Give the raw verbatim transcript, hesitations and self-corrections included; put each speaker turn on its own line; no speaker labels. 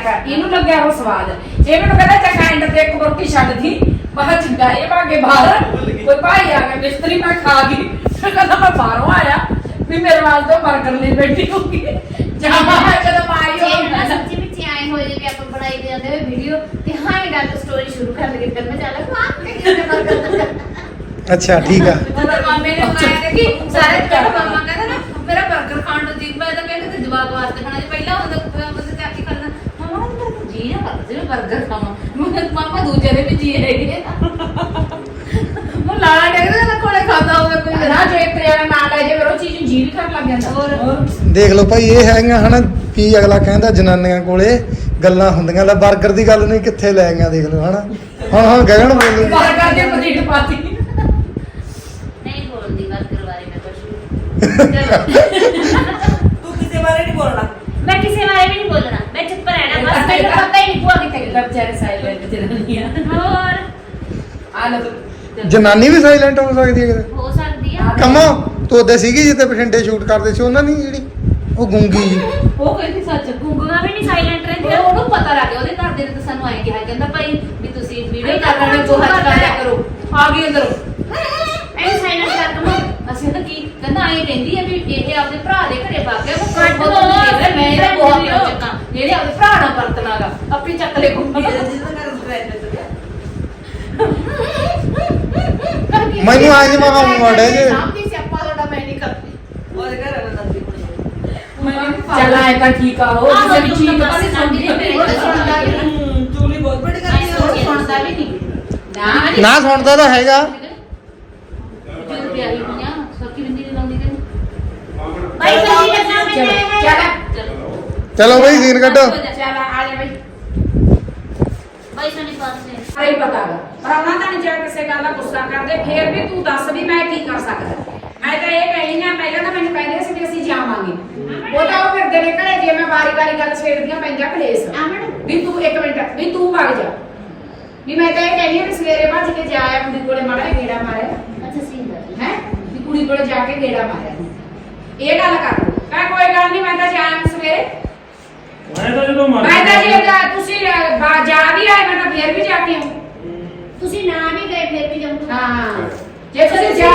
ਕਰ ਇਹਨੂੰ ਲੱਗਿਆ ਉਹ ਸਵਾਦ ਇਹ ਮੈਨੂੰ ਕਹਿੰਦਾ ਚੰਗਾ ਐਂਡ ਤੇ ਇੱਕ ਰੋਟੀ ਛੱਡਦੀ ਬਾਹਰ ਚੰਗਾ ਇਹ ਭਾਗੇ ਬਾਹਰ ਕੋਈ ਭਾਈ ਆ ਗਿਆ ਮਿਸਤਰੀ ਮੈਂ ਖਾ ਗਈ ਫਿਰ ਕਹਿੰਦਾ ਮੈਂ ਬਾਹਰੋਂ ਆਇਆ ਵੀ ਮੇਰੇ ਵਾਸਤੇ 버ਗਰ ਲਈ ਬੈਠੀ ਹੋਊਗੀ ਜਾਂ ਜਦੋਂ ਆਈ ਹੋ
ਸੱਚੀ ਵਿੱਚ ਆਏ ਹੋਏ ਜੇ ਆਪਾਂ ਬਣਾਈ ਦੇ ਜਾਂਦੇ ਹੋਏ ਵੀਡੀਓ ਤੇ ਹਾਂ ਇਹ ਡਾਕ ਸਟੋਰੀ ਸ਼ੁਰੂ ਕਰ ਲਗੇ ਫਿਰ ਮੈਂ ਚੱਲ ਖਾ ਕੇ ਕਿਹਨੇ 버ਗਰ
ਅੱਛਾ ਠੀਕ ਆ
ਮਤਲਬ ਮਾਮੇ ਨੇ ਬਣਾਇਆ ਕਿ ਸਾਰੇ ਜਿਹੜਾ ਮਾਮਾ ਕਹਿੰਦਾ ਨਾ ਮੇਰਾ 버ਗਰ ਖਾਣ ਨੂੰ ਜੀ ਮੈਂ ਤਾਂ ਕਹਿੰਦਾ ਤੇ ਜਵਾਬ ਵਾਸਤੇ ਖਾਣਾ ਜੇ ਪਹਿਲਾਂ ਹੁੰਦਾ ਬੰਦੇ ਤੇ ਆਖੀ ਕਰਦਾ ਮਾਮਾ ਮੇਰਾ ਜੀ ਨਾ ਕਰਦਾ ਜਿਵੇਂ 버ਗਰ ਖਾਵਾਂ ਮੈਂ ਮਾਮਾ ਦੂਜੇ ਦੇ ਵੀ ਜੀ ਹੈਗੇ ਉਹ ਲਾਲਾ ਡੇਗਦਾ ਨਾ ਕੋਲੇ ਖਾਂਦਾ ਹੋਵੇ ਕੋਈ
ਨਾ ਜੇ ਤੇਰਾ ਨਾਂ ਲੈ ਜੇ ਫਿਰ ਉਹ ਚੀਜ਼ ਨੂੰ ਜੀ ਕਰਨ ਲੱਗ ਜਾਂਦਾ
ਹੋਰ
ਦੇਖ ਲਓ ਭਾਈ ਇਹ ਹੈਗੀਆਂ ਹਨਾ ਕੀ ਅਗਲਾ ਕਹਿੰਦਾ ਜਨਾਨੀਆਂ ਕੋਲੇ ਗੱਲਾਂ ਹੁੰਦੀਆਂ ਲੈ 버ਗਰ ਦੀ ਗੱਲ ਨਹੀਂ ਕਿੱਥੇ ਲੈ ਗਈਆਂ ਦੇਖ ਲਓ ਹਨਾ ਹਾਂ ਹਾਂ ਗਗਨ ਬੋਲੂ
버ਗਰ ਦੇ ਪਤੀਟ ਪਾਤੀ
ਨਹੀਂ ਬੋਲਦੀ 버ਗਰ ਬਾਰੇ ਮੈਂ ਕੁਝ
ਤੂੰ ਕਿਸੇ ਬਾਰੇ ਨਹੀਂ ਬੋਲਣਾ
ਮੈਂ ਕਿਸੇ ਬਾਰੇ ਵੀ ਨਹੀਂ ਬੋਲਣਾ ਮੈਂ ਚੁੱਪ ਰਹਿਣਾ ਬਸ ਮੈਨੂੰ ਪਤਾ ਹੀ ਨਹੀਂ ਭੂਆ ਕਿੱਥੇ ਗਈ
ਵਿਚਾਰੇ ਸਾਈਲੈਂਟ ਤੇ ਰਹਿੰਦੀਆਂ
ਹੋਰ
ਆ ਲੈ
ਜਨਾਨੀ ਵੀ ਸਾਇਲੈਂਟ ਹੋ ਸਕਦੀ ਹੈ ਕਿਤੇ
ਹੋ ਸਕਦੀ ਆ
ਕਮੋ ਤੂੰ ਉਹਦੇ ਸੀਗੀ ਜਿੱਤੇ ਬਠਿੰਡੇ ਸ਼ੂਟ ਕਰਦੇ ਸੀ ਉਹਨਾਂ ਦੀ ਜਿਹੜੀ ਉਹ ਗੁੰਗੀ ਜੀ
ਉਹ ਕਹਿੰਦੀ ਸੱਚ ਗੁੰਗੂਆਂ ਵੀ ਨਹੀਂ ਸਾਇਲੈਂਟ ਰਹਿੰਦੀਆਂ ਉਹਨੂੰ ਪਤਾ ਲੱਗ ਗਿਆ ਉਹਦੇ ਘਰ ਦੇ ਨੇ ਤਾਂ ਸਾਨੂੰ ਆਏ ਕਿਹਾ ਕਹਿੰਦਾ ਭਾਈ ਵੀ ਤੁਸੀਂ ਵੀਡੀਓ ਕਰ ਰਹੇ ਹੋ ਹੱਥ ਕਰਿਆ ਕਰੋ
ਆ ਗਈ ਅੰਦਰ
ਐ ਸਾਇਲੈਂਟ ਕਰ ਦਮੋ ਅਸੀਂ ਤਾਂ ਕੀ ਕਹਿੰਦਾ ਆਏ ਕਹਿੰਦੀ ਆ ਵੀ ਇਹ ਆਪਦੇ ਭਰਾ ਦੇ ਘਰੇ ਪਾ ਗਿਆ ਉਹ ਕੱਢ ਦੋ ਮੈਂ ਇਹਦਾ ਬਹੁਤ ਚੱਕਾਂ ਜਿਹੜੇ ਆਪਦੇ ਭਰਾ ਨਾਲ ਵਰਤਣਾਗਾ ਆਪਣੀ ਚੱਕ ਲੈ ਗੁੰਗੀ
ਮੈਨੂੰ ਆਜ ਮਹਾ ਮੋੜੇ ਜੇ
ਸਾਹਮਣੇ ਸਿਆਪਾ ਤੁਹਾਡਾ ਮੈਂ ਨਹੀਂ ਕਰਦੀ
ਉਹਦੇ ਘਰ ਆ ਨੰਦੀ
ਚੱਲ ਆਏ ਤਾਂ ਠੀਕ ਆ ਉਹ ਕਿਸੇ ਵੀ ਚੀਜ਼
ਪਾਸੇ ਸੁਣਦੀ ਨਹੀਂ ਮੇਰੇ ਸੁਣਦਾ ਵੀ ਨਹੀਂ
ਹੂੰ ਚੂਲੀ ਬਹੁਤ ਬੜੀ ਕਰਦੀ
ਉਹ
ਹੈ
ਸੁਣਦਾ ਵੀ ਨਹੀਂ
ਨਾ
ਨਾ ਸੁਣਦਾ ਤਾਂ ਹੈਗਾ
ਜਦੋਂ ਪਿਆਰੀ ਹੋਈਆਂ ਸੱਕੀ ਬਿੰਦੀ ਨਹੀਂ ਲਾਉਂਦੀ ਤੈਨੂੰ ਭਾਈ ਸੱਚੀ ਲੱਗਣਾ ਮੈਨੇ
ਚੱਲ
ਚਲੋ ਬਈ ਸੀਨ ਕੱਢੋ
ਚੱਲ ਆ ਜਾ ਬਈ
ਭਾਈ ਸੋਨੀ ਪਾਸੇ
ਨਹੀਂ ਪਤਾ ਗਾ ਪਰ ਉਹਨਾਂ ਦਾ ਨਹੀਂ ਜੇ ਕਿਸੇ ਗੱਲ ਦਾ ਗੁੱਸਾ ਕਰਦੇ ਫੇਰ ਵੀ ਤੂੰ ਦੱਸ ਵੀ ਮੈਂ ਕੀ ਕਰ ਸਕਦਾ ਮੈਂ ਤਾਂ ਇਹ ਕਹੀ ਨਾ ਪਹਿਲਾਂ ਤਾਂ ਮੈਨੂੰ ਕਹਿੰਦੇ ਸੀ ਵੀ ਅਸੀਂ ਜਾਵਾਂਗੇ ਉਹ ਤਾਂ ਉਹ ਫਿਰਦੇ ਨੇ ਘਰੇ ਜੇ ਮੈਂ ਵਾਰੀ ਵਾਰੀ ਗੱਲ ਛੇੜਦੀਆਂ ਪੈਂਦਾ ਕਲੇਸ਼ ਵੀ ਤੂੰ ਇੱਕ ਮਿੰਟ ਵੀ ਤੂੰ ਭੱਗ ਜਾ ਵੀ ਮੈਂ ਤਾਂ ਇਹ ਕਹਿੰਦੀ ਵੀ ਸਵੇਰੇ ਭੱਜ ਕੇ ਜਾ ਆਇਆ ਕੁੜੀ ਕੋਲੇ ਮਾੜਾ ਜਿਹਾ ਗੇੜਾ ਮਾਰਿਆ
ਅੱਛਾ ਸੀਨ
ਹੈ ਵੀ ਕੁੜੀ ਕੋਲੇ ਜਾ ਕੇ ਗੇੜਾ ਮਾਰਿਆ ਇਹ ਗੱਲ ਕਰ ਮੈਂ ਕੋਈ ਗੱਲ ਨਹੀਂ ਮੈਂ ਤਾਂ ਜਾਇਆ ਸਵੇਰੇ
ਮੈਂ ਤਾਂ ਜਦੋਂ ਮਰ
ਮੈਂ ਤਾਂ ਜੇ ਜਾ- ਤੁਸੀਂ ਅਹ, ਬਾ- ਜਾ ਵੀ ਆਏ ਮੈਂ ਤਾਂ ਫੇਰ ਵੀ ਜਾ ਕੇ ਆਉਂ
ਤੁਸੀਂ ਨਾ ਵੀ ਗਏ ਫਿਰ ਵੀ ਜਾਊਂਗਾ
ਹਾਂ ਜੇ ਤੁਸੀਂ ਜਾ